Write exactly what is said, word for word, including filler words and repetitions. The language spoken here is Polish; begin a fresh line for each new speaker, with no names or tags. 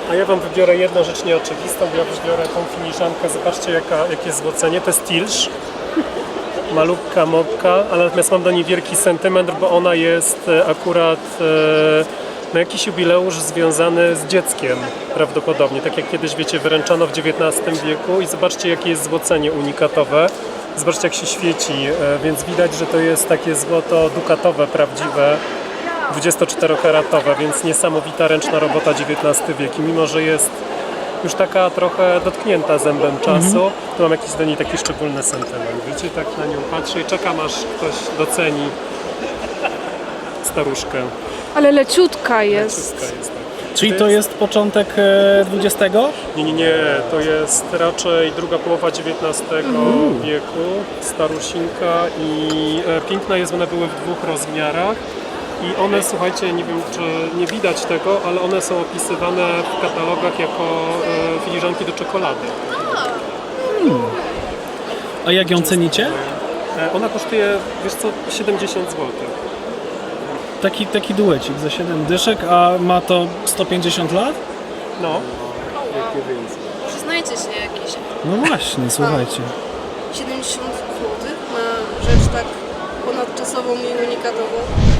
A ja wam wybiorę jedną rzecz nieoczywistą, bo ja wybiorę tą filiżankę. Zobaczcie jaka, jakie złocenie. To jest Tilsz. Malubka, mokka, ale natomiast mam do niej wielki sentyment, bo ona jest e, akurat e, na jakiś jubileusz związany z dzieckiem prawdopodobnie. Tak jak kiedyś, wiecie, wyręczano w dziewiętnastym wieku i zobaczcie jakie jest złocenie unikatowe. Zobaczcie jak się świeci, e, więc widać, że to jest takie złoto dukatowe, prawdziwe, dwudziestoczterokaratowe, więc niesamowita ręczna robota dziewiętnasty wiek. I mimo że jest już taka trochę dotknięta zębem czasu, mm-hmm. to mam jakiś do niej taki szczególny sentyment. Wiecie, tak na nią patrzę i czekam aż ktoś doceni staruszkę.
Ale leciutka jest.
Leciutka jest tak.
Czyli to jest początek dwudziestego?
Nie, nie, nie. To jest raczej druga połowa dziewiętnastego mm. wieku. Starusinka i e, piękna jest, one były w dwóch rozmiarach. I one, słuchajcie, nie wiem czy nie widać tego, ale one są opisywane w katalogach jako e, filiżanki do czekolady.
Hmm. A jak ją cenicie?
E, ona kosztuje, wiesz co, siedemdziesiąt złotych.
Taki, taki duecik za siedem dyszek, a ma to sto pięćdziesiąt lat?
No.
Przyznajcie się jakieś.
No właśnie, słuchajcie.
siedemdziesiąt złotych na rzecz tak ponadczasową i unikatową.